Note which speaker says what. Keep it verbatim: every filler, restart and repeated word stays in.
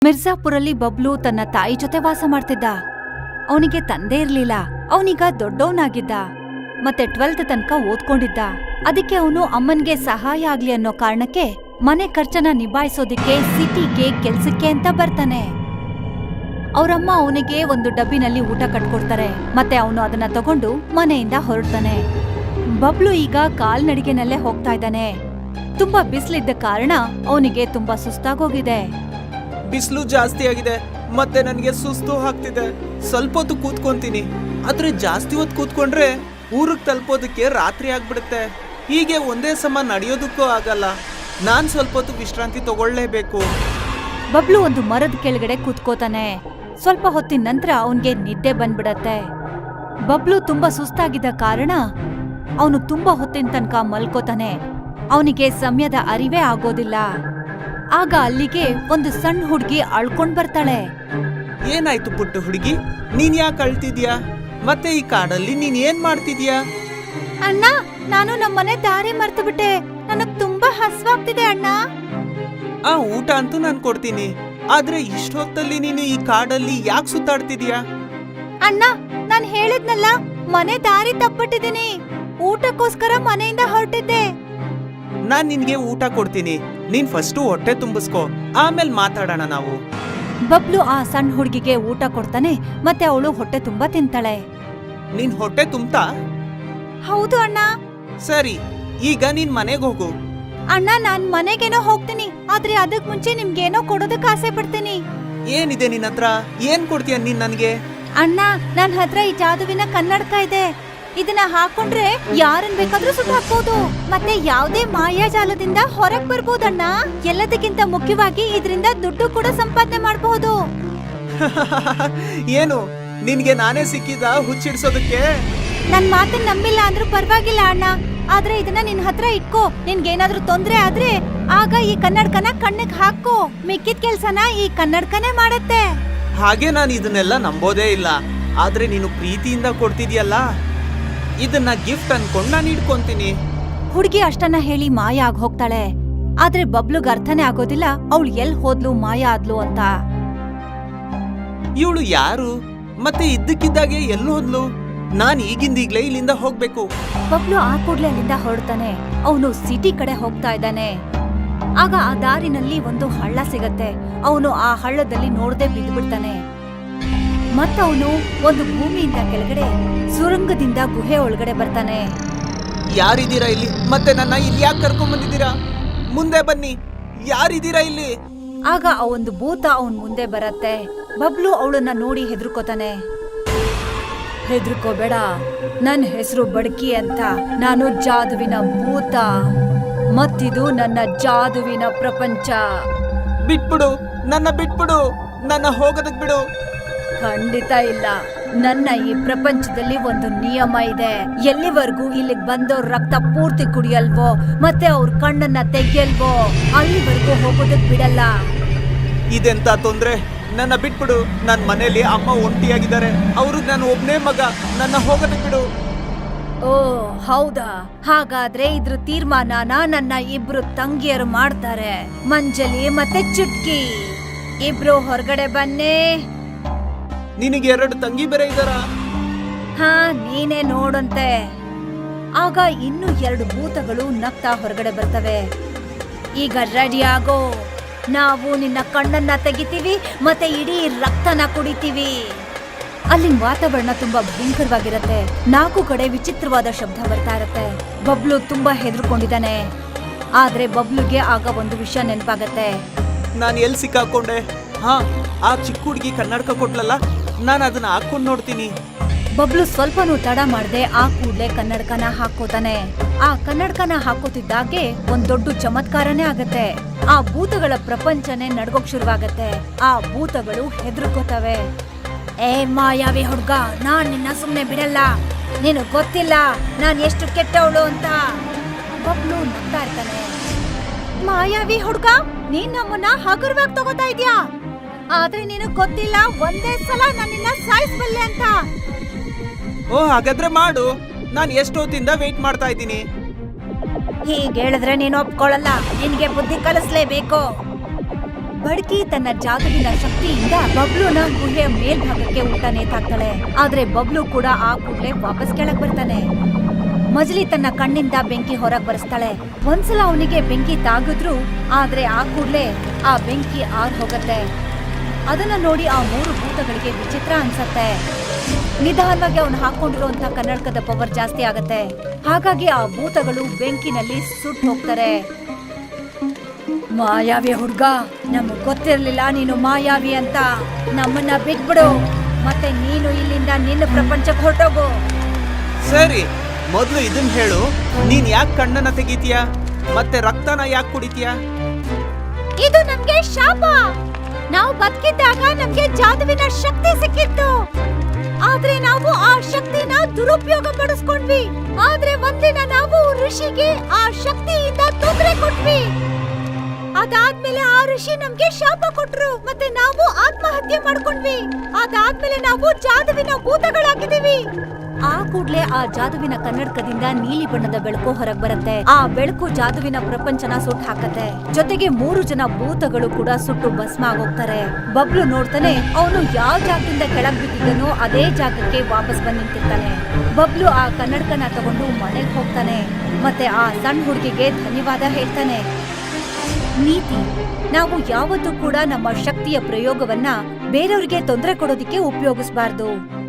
Speaker 1: ಮಿರ್ಜಾಪುರಲ್ಲಿ ಬಬ್ಲು ತನ್ನ ತಾಯಿ ಜೊತೆ ವಾಸ ಮಾಡ್ತಿದ್ದ. ಅವನಿಗೆ ತಂದೆ ಇರ್ಲಿಲ್ಲ. ಅವನೀಗ ದೊಡ್ಡವನಾಗಿದ್ದ ಮತ್ತೆ ಟ್ವೆಲ್ತ್ ತನಕ ಓದ್ಕೊಂಡಿದ್ದ. ಅದಕ್ಕೆ ಅವನು ಅಮ್ಮನ್ಗೆ ಸಹಾಯ ಆಗ್ಲಿ ಅನ್ನೋ ಕಾರಣಕ್ಕೆ ಮನೆ ಖರ್ಚನ್ನ ನಿಭಾಯಿಸೋದಿಕ್ಕೆ ಸಿಟಿಗೆ ಕೆಲ್ಸಕ್ಕೆ ಅಂತ ಬರ್ತಾನೆ. ಅವರಮ್ಮ ಅವನಿಗೆ ಒಂದು ಡಬ್ಬಿನಲ್ಲಿ ಊಟ ಕಟ್ಕೊಡ್ತಾರೆ ಮತ್ತೆ ಅವನು ಅದನ್ನ ತಗೊಂಡು ಮನೆಯಿಂದ ಹೊರಡ್ತಾನೆ. ಬಬ್ಲು ಈಗ ಕಾಲ್ನಡಿಗೆನಲ್ಲೇ ಹೋಗ್ತಾ ಇದ್ದಾನೆ. ತುಂಬಾ ಬಿಸಿಲಿದ್ದ ಕಾರಣ ಅವನಿಗೆ ತುಂಬಾ ಸುಸ್ತಾಗೋಗಿದೆ.
Speaker 2: ಬಿಸಿಲು ಜಾಸ್ತಿ ಆಗಿದೆ ಮತ್ತೆ ನನಗೆ ಸುಸ್ತು ಆಗ್ತಿದೆ. ಸ್ವಲ್ಪ ಹೊತ್ತು ಕೂತ್ಕೊಂತೀನಿ, ಆದ್ರೆ ಜಾಸ್ತಿ ಹೊತ್ತು ಕೂತ್ಕೊಂಡ್ರೆ ಊರಿಗೆ ತಲುಪೋದಕ್ಕೆ ರಾತ್ರಿ ಆಗ್ಬಿಡುತ್ತೆ. ಹೀಗೆ ಒಂದೇ ಸಮ ನಡೆಯೋದಕ್ಕೂ ಆಗಲ್ಲ. ನಾನ್ ಸ್ವಲ್ಪ ಹೊತ್ತು ವಿಶ್ರಾಂತಿ ತಗೊಳ್ಳೇಬೇಕು.
Speaker 1: ಬಬ್ಲು ಒಂದು ಮರದ ಕೆಳಗಡೆ ಕೂತ್ಕೋತಾನೆ. ಸ್ವಲ್ಪ ಹೊತ್ತಿನ ನಂತರ ಅವನ್ಗೆ ನಿದ್ದೆ ಬಂದ್ಬಿಡತ್ತೆ. ಬಬ್ಲು ತುಂಬಾ ಸುಸ್ತಾಗಿದ್ದ ಕಾರಣ ಅವನು ತುಂಬಾ ಹೊತ್ತಿನ ತನಕ ಮಲ್ಕೋತಾನೆ. ಅವನಿಗೆ ಸಮಯದ ಅರಿವೇ ಆಗೋದಿಲ್ಲ. ಆಗ ಅಲ್ಲಿಗೆ ಒಂದು ಸಣ್ಣ ಹುಡುಗಿ ಅಳ್ಕೊಂಡ್ ಬರ್ತಾಳೆ.
Speaker 2: ಏನಾಯ್ತು ಪುಟ್ಟ ಹುಡುಗಿ, ನೀನ್ ಯಾಕೆ ಅಳ್ತಿದ್ಯಾ? ಮತ್ತೆ ಈ ಕಾಡಲ್ಲಿ ನೀನ್ ಏನ್ ಮಾಡ್ತಿದ್ಯಾ?
Speaker 1: ಅಣ್ಣ, ನಾನು ನಮ್ಮನೆ ದಾರಿ ಮರ್ತು ಬಿಟ್ಟೆ. ನನಗ್ ತುಂಬಾ ಹಸ್ವಾಗ್ತಿದೆ ಅಣ್ಣ.
Speaker 2: ಆ ಊಟ ಅಂತೂ ನಾನ್ ಕೊಡ್ತೀನಿ, ಆದ್ರೆ ಇಷ್ಟೊತ್ತಲ್ಲಿ ನೀನು ಈ ಕಾಡಲ್ಲಿ ಯಾಕೆ ಸುತ್ತಾಡ್ತಿದ್ಯಾ?
Speaker 1: ಅಣ್ಣ, ನಾನ್ ಹೇಳಿದ್ನಲ್ಲ, ಮನೆ ದಾರಿ ತಪ್ಪಿಟ್ಟಿದ್ದೀನಿ. ಊಟಕ್ಕೋಸ್ಕರ ಮನೆಯಿಂದ ಹೊರಟಿದ್ದೆ.
Speaker 2: ನಾನ್ ನಿನ್ಗೆ ಊಟ ಕೊಡ್ತೀನಿ, ನೀನ್ ಫಸ್ಟು ಹೊಟ್ಟೆ ತುಂಬಿಸ್ಕೋ, ಆಮೇಲೆ ಮಾತಾಡೋಣ ನಾವು.
Speaker 1: ಬಬ್ಲು ಆ ಸಣ್ಣ ಹುಡುಗಿಗೆ ಊಟ ಕೊಡ್ತಾನೆ ಮತ್ತೆ ಅವಳು ಹೊಟ್ಟೆ ತುಂಬಾ ತಿಂತಾಳೆ.
Speaker 2: ನಿನ್ ಹೊಟ್ಟೆ ತುಂಬ್ತಾ?
Speaker 1: ಹೌದು ಅಣ್ಣ.
Speaker 2: ಸರಿ, ಈಗ ನೀನ್ ಮನೆಗ್ ಹೋಗು.
Speaker 1: ಅಣ್ಣ, ನಾನ್ ಮನೆಗೇನೋ ಹೋಗ್ತೀನಿ, ಆದ್ರೆ ಅದಕ್ ಮುಂಚೆ ನಿಮ್ಗೇನೋ ಕೊಡೋದಕ್ ಆಸೆ ಪಡ್ತೀನಿ.
Speaker 2: ಏನಿದೆ ನಿನ್ ಹತ್ರ? ಏನ್ ಕೊಡ್ತೀಯ ನೀನ್ ನನ್ಗೆ?
Speaker 1: ಅಣ್ಣ, ನನ್ ಹತ್ರ ಈ ಜಾದುವಿನ ಕನ್ನಡಕ ಇದೆ. ಇದನ್ನ ಹಾಕೊಂಡ್ರೆ ಯಾರನ್ ಬೇಕಾದ್ರೂ ಸುಟ್ಟು ಹಾಕ್ಬೋದು ಮತ್ತೆ ಯಾವ್ದೇ ಮಾಯಾಜಾಲದಿಂದ ಹೊರಗ್ ಬರ್ಬೋದಣ್ಣ. ಎಲ್ಲದಕ್ಕಿಂತ ಮುಖ್ಯವಾಗಿ ಇದರಿಂದ ದುಡ್ಡು ಕೂಡ ಸಂಪಾದನೆ ಮಾಡಬಹುದು.
Speaker 2: ಏನು ನಿನ್ಗೆ ನಾನೇ ಸಿಕ್ಕಿದ ಹುಚ್ಚಿಡ್ಸೋದಕ್ಕೆ?
Speaker 1: ನನ್ ಮಾತನ್ನ ನಂಬಿಲ್ಲ ಅಂದ್ರೂ ಪರವಾಗಿಲ್ಲ ಅಣ್ಣ, ಆದ್ರೆ ಇದನ್ನ ನಿನ್ ಹತ್ರ ಇಟ್ಕೋ. ನಿನ್ಗೇನಾದ್ರೂ ತೊಂದ್ರೆ ಆದ್ರೆ ಆಗ ಈ ಕನ್ನಡಕನ ಕಣ್ಣಿಗೆ ಹಾಕೋ. ಮಿಕ್ಕಿದ ಕೆಲ್ಸನ ಈ ಕನ್ನಡಕನೇ ಮಾಡತ್ತೆ.
Speaker 2: ಹಾಗೆ ನಾನು ಇದನ್ನೆಲ್ಲ ನಂಬೋದೇ ಇಲ್ಲ, ಆದ್ರೆ ನೀನು ಪ್ರೀತಿಯಿಂದ ಕೊಡ್ತಿದ್ಯಲ್ಲ, ಇದನ್ನ ಗಿಫ್ಟ್ ಅನ್ಕೊಂಡ್ ನಾನು ಇಟ್ಕೊಂತೀನಿ.
Speaker 1: ಹುಡುಗಿ ಅಷ್ಟನ್ನ ಹೇಳಿ ಮಾಯ ಆಗ್ ಹೋಗ್ತಾಳೆ. ಆದ್ರೆ ಬಬ್ಲುಗ್ ಅರ್ಥನೇ ಆಗೋದಿಲ್ಲ ಅವಳು ಎಲ್ ಹೋದ್ಲು, ಮಾಯ ಆದ್ಲು ಅಂತ.
Speaker 2: ಇವಳು ಯಾರು ಮತ್ತೆ ಇದ್ದಕ್ಕಿದ್ದಾಗೆ ಎಲ್ಲಿ ಹೋದ್ಲು? ನಾನ್ ಈಗಿಂದೀಗ್ಲೇ ಇಲ್ಲಿಂದ ಹೋಗ್ಬೇಕು.
Speaker 1: ಬಬ್ಲು ಆ ಕೂಡ್ಲೆ ಅಲ್ಲಿಂದ ಹೊರಡ್ತಾನೆ. ಅವನು ಸಿಟಿ ಕಡೆ ಹೋಗ್ತಾ ಇದ್ದಾನೆ. ಆಗ ಆ ದಾರಿನಲ್ಲಿ ಒಂದು ಹಳ್ಳ ಸಿಗತ್ತೆ. ಅವನು ಆ ಹಳ್ಳದಲ್ಲಿ ನೋಡದೆ ಬಿದ್ದು ಬಿಡ್ತಾನೆ. ಮತ್ತವನು ಒಂದು ಭೂಮಿಯಿಂದ ಕೆಳಗಡೆ ಸುರಂಗದಿಂದ ಗುಹೆ ಒಳಗಡೆ ಬರ್ತಾನೆ.
Speaker 2: ಯಾರಿದ್ದೀರಾ ಇಲ್ಲಿ? ಮತ್ತೆ ನನ್ನ ಇಲ್ಲಿ ಯಾಕೆ ಕರ್ಕೊಂಡ್ ಬಂದಿದ್ದೀರಾ? ಮುಂದೆ ಬನ್ನಿ, ಯಾರಿದ್ದೀರಾ ಇಲ್ಲಿ?
Speaker 1: ಆಗ ಆ ಒಂದು ಭೂತ ಅವನ್ ಮುಂದೆ ಬರತ್ತೆ. ಬಬ್ಲು ಅವಳನ್ನ ನೋಡಿ ಹೆದರ್ಕೋತಾನೆ. ಹೆದರ್ಕೋಬೇಡ, ನನ್ನ ಹೆಸರು ಬಡ್ಕಿ ಅಂತ. ನಾನು ಜಾದುವಿನ ಭೂತ, ಮತ್ತಿದು ನನ್ನ ಜಾದುವಿನ ಪ್ರಪಂಚ.
Speaker 2: ಬಿಟ್ಬಿಡು, ನನ್ನ ಬಿಟ್ಬಿಡು, ನನ್ನ ಹೋಗೋದಕ್ ಬಿಡು.
Speaker 1: ಖಂಡಿತ ಇಲ್ಲ. ನನ್ನ ಈ ಪ್ರಪಂಚದಲ್ಲಿ ಒಂದು ನಿಯಮ ಇದೆ. ಎಲ್ಲಿವರೆಗೂ ಇಲ್ಲಿಗೆ ಬಂದವ್ರ ರಕ್ತ ಪೂರ್ತಿ ಕುಡಿಯಲ್ವೋ ಮತ್ತೆ ಅವ್ರ ಕಣ್ಣನ್ನ ತೆಗಿಯಲ್ವೋ ಅಲ್ಲಿವರೆಗೂ ಹೋಗೋದಕ್ ಬಿಡಲ್ಲ.
Speaker 2: ಇದೆಂತ ತೊಂದ್ರೆ? ನನ್ನ ಬಿಟ್ಬಿಡು. ನನ್ ಮನೇಲಿ ಅಮ್ಮ ಒಂಟಿಯಾಗಿದ್ದಾರೆ, ಅವರು ನಾನು ಒಬ್ನೇ ಮಗ, ನನ್ನ ಹೋಗೋದಕ್ ಬಿಡು.
Speaker 1: ಓ ಹೌದಾ, ಹಾಗಾದ್ರೆ ಇದ್ರ ತೀರ್ಮಾನನ ನನ್ನ ಇಬ್ರು ತಂಗಿಯರು ಮಾಡ್ತಾರೆ, ಮಂಜಲಿ ಮತ್ತೆ ಚುಟ್ಕಿ. ಇಬ್ರು ಹೊರಗಡೆ ಬನ್ನಿ.
Speaker 2: ನಿನಗೆ ಎರಡು ತಂಗಿ ಬೇರೆ ಇದ್ದಾರಾ?
Speaker 1: ಹಾ, ನೀನೇ ನೋಡಂತೆ. ಆಗ ಇನ್ನು ಎರಡು ಭೂತಗಳು ನಗ್ತಾ ಹೊರಗಡೆ ಬರ್ತವೆ. ಈಗ ರೆಡಿ ಆಗೋ, ನಾವು ನಿನ್ನ ಕಣ್ಣನ್ನ ತೆಗಿತೀವಿ ಮತ್ತೆ ಇಡೀ ರಕ್ತನ ಕುಡಿತೀವಿ. ಅಲ್ಲಿನ ವಾತಾವರಣ ತುಂಬಾ ಭಯಂಕರವಾಗಿರತ್ತೆ. ನಾಲ್ಕು ಕಡೆ ವಿಚಿತ್ರವಾದ ಶಬ್ದ ಬರ್ತಾ ಇರತ್ತೆ. ಬಬ್ಲು ತುಂಬಾ ಹೆದರ್ಕೊಂಡಿದ್ದಾನೆ. ಆದ್ರೆ ಬಬ್ಲುಗೆ ಆಗ ಒಂದು ವಿಷಯ ನೆನಪಾಗತ್ತೆ.
Speaker 2: ನಾನು ಎಲ್ಲಿ ಸಿಕ್ಕಾಕೊಂಡೆ? ಹಾ, ಆ ಚಿಕ್ಕ ಹುಡುಗಿ ಕನ್ನಡಕ ಕೊಟ್ಲಲ್ಲ, ನಾನು ಅದನ್ನ ಹಾಕೊಂಡ್ ನೋಡ್ತೀನಿ.
Speaker 1: ಬಬ್ಲು ಸ್ವಲ್ಪನೂ ತಡ ಮಾಡದೆ ಆ ಕೂಡ್ಲೆ ಕನ್ನಡಕನ ಹಾಕೋತಾನೆ. ಆ ಕನ್ನಡಕನ ಹಾಕೋತಿದ್ದಾಗೆ ಒಂದ್ ದೊಡ್ಡ ಚಮತ್ಕಾರನೇ ಆಗತ್ತೆ. ಆ ಭೂತಗಳ ಪ್ರಪಂಚನೇ ನಡ್ಗೋಕ್ ಶುರುವಾಗತ್ತೆ. ಆ ಭೂತಗಳು ಹೆದರ್ಕೋತವೆ. ಏ ಮಾಯಾವಿ ಹುಡ್ಗ, ನಾನ್ ನಿನ್ನ ಸುಮ್ನೆ ಬಿಡಲ್ಲ. ನೀನು ಗೊತ್ತಿಲ್ಲ ನಾನ್ ಎಷ್ಟು ಕೆಟ್ಟವಳು ಅಂತ. ಬಬ್ಲು ನಗ್ತಾ ಇರ್ತಾನೆ. ಮಾಯಾವಿ ಹುಡ್ಗ, ನೀನ್ ನಮ್ಮನ್ನ ಹಗುರವಾಗಿ ತಗೋತಾ ಇದ್ಯಾ, ಆದ್ರೆ ನೀನು ಗೊತ್ತಿಲ್ಲ ಒಂದೇ ಸಲ ನನ್ನನ್ನ ಸಾಯಿಸ್ಬಲ್ಲೆ ಅಂತ.
Speaker 2: ಓ ಹಾಗಾದ್ರೆ ಮಾಡು, ನಾನು ಎಷ್ಟೊತ್ತಿಂದ ವೇಟ್ ಮಾಡ್ತಾ ಇದ್ದೀನಿ.
Speaker 1: ಹೀಗೆ ಹೇಳಿದ್ರೆ ನೀನು ಒಪ್ಕೊಳ್ಳಲ್ಲ. ನಿನ್ಗೆ ಬುದ್ಧಿ ಕಲಿಸ್ಲೇಬೇಕು. ಬಡ್ಕಿ ತನ್ನ ಜಾದುವಿನ ಶಕ್ತಿಯಿಂದ ಬಬ್ಲುನ ಗುಹೆಯ ಮೇಲ್ಭಾಗಕ್ಕೆ ಊಟ ನೇತಾಕ್ತಾಳೆ. ಆದ್ರೆ ಬಬ್ಲು ಕೂಡ ಆ ಕೂಡ್ಲೆ ವಾಪಸ್ ಕೆಳಗ್ ಬರ್ತಾನೆ. ಮಜ್ಲಿ ತನ್ನ ಕಣ್ಣಿಂದ ಬೆಂಕಿ ಹೊರಗ್ ಬರೆಸ್ತಾಳೆ. ಒಂದ್ಸಲ ಅವನಿಗೆ ಬೆಂಕಿ ತಾಗಿದ್ರು, ಆದ್ರೆ ಆ ಕೂಡ್ಲೆ ಆ ಬೆಂಕಿ ಆರ್ ಹೋಗತ್ತೆ. ಅದನ್ನ ನೋಡಿ ಆ ಮೂರು ಭೂತಗಳಿಗೆ ವಿಚಿತ್ರ ಅನ್ಸತ್ತೆ. ನಿಧಾನವಾಗಿ ಅವನು ಹಾಕೊಂಡಿರುವಂತ ಕನ್ನಡಕದ ಪವರ್ ಜಾಸ್ತಿ ಆಗತ್ತೆ. ಹಾಗಾಗಿ ಆ ಭೂತಗಳು ಬೆಂಕಿನಲ್ಲಿ ಸುಟ್ಟು ಹೋಗ್ತಾರೆ. ಮಾಯಾವಿ ಹುಡ್ಗ, ನಮಗ್ ಗೊತ್ತಿರ್ಲಿಲ್ಲ ನೀನು ಮಾಯಾವಿ ಅಂತ. ನಮ್ಮನ್ನ ಬಿಟ್ಬಿಡು, ಮತ್ತೆ ನೀನು ಇಲ್ಲಿಂದ ನಿನ್ನ ಪ್ರಪಂಚಕ್ಕೆ ಹೊರಟೋಗು.
Speaker 2: ಸರಿ, ಮೊದ್ಲು ಇದನ್ ಹೇಳು, ನೀನ್ ಯಾಕೆ ಕಣ್ಣನ್ನ ತೆಗಿತೀಯ ಮತ್ತೆ ರಕ್ತನ ಯಾಕೆ ಕುಡಿತೀಯ?
Speaker 1: ಇದು ನಮ್ಗೆ ಶಾಪ. ನಾವು ಬದುಕಿದ್ದಾಗ ನಮ್ಗೆ ಜಾದುವಿನ ಶಕ್ತಿ ಸಿಕ್ಕಿತ್ತು, ಆದ್ರೆ ನಾವು ಆ ಶಕ್ತಿನ ದುರುಪಯೋಗ ಪಡಿಸ್ಕೊಂಡ್ವಿ. ಆದ್ರೆ ಒಂದಿನ ನಾವು ಋಷಿಗೆ ಆ ಶಕ್ತಿಯಿಂದ ತೊಂದರೆ ಕೊಟ್ವಿ. ಅದಾದ್ಮೇಲೆ ಆ ಋಷಿ ನಮ್ಗೆ ಶಾಪ ಕೊಟ್ರು, ಮತ್ತೆ ನಾವು ಆತ್ಮಹತ್ಯೆ ಮಾಡ್ಕೊಂಡ್ವಿ. ಅದಾದ್ಮೇಲೆ ನಾವು ಜಾದುವಿನ ಭೂತಗಳಾಗಿದ್ದೀವಿ. ಆ ಕೂಡ್ಲೆ ಆ ಜಾದುವಿನ ಕನ್ನಡಕದಿಂದ ನೀಲಿ ಬಣ್ಣದ ಬೆಳಕು ಹೊರಗ್ ಬರುತ್ತೆ. ಆ ಬೆಳಕು ಜಾದುವಿನ ಪ್ರಪಂಚನ ಸುಟ್ಟು ಹಾಕತ್ತೆ. ಜೊತೆಗೆ ಮೂರು ಜನ ಭೂತಗಳು ಕೂಡ ಸುಟ್ಟು ಭಸ್ಮ ಆಗೋಗ್ತಾರೆ. ಬಬ್ಲು ನೋಡ್ತಾನೆ, ಅವನು ಯಾವ ಜಾಗದಿಂದ ಕೆಳಗ್ ಬಿದ್ದಿದ್ದನೋ ಅದೇ ಜಾಗಕ್ಕೆ ವಾಪಸ್ ಬಂದ್ ನಿಂತಿರ್ತಾನೆ. ಬಬ್ಲು ಆ ಕನ್ನಡಕನ ತಗೊಂಡು ಮನೆಗ್ ಹೋಗ್ತಾನೆ, ಮತ್ತೆ ಆ ಸಣ್ಣ ಹುಡುಗಿಗೆ ಧನ್ಯವಾದ ಹೇಳ್ತಾನೆ. ನೀತಿ: ನಾವು ಯಾವತ್ತೂ ಕೂಡ ನಮ್ಮ ಶಕ್ತಿಯ ಪ್ರಯೋಗವನ್ನ ಬೇರೆಯವ್ರಿಗೆ ತೊಂದರೆ ಕೊಡೋದಿಕ್ಕೆ ಉಪಯೋಗಿಸಬಾರ್ದು.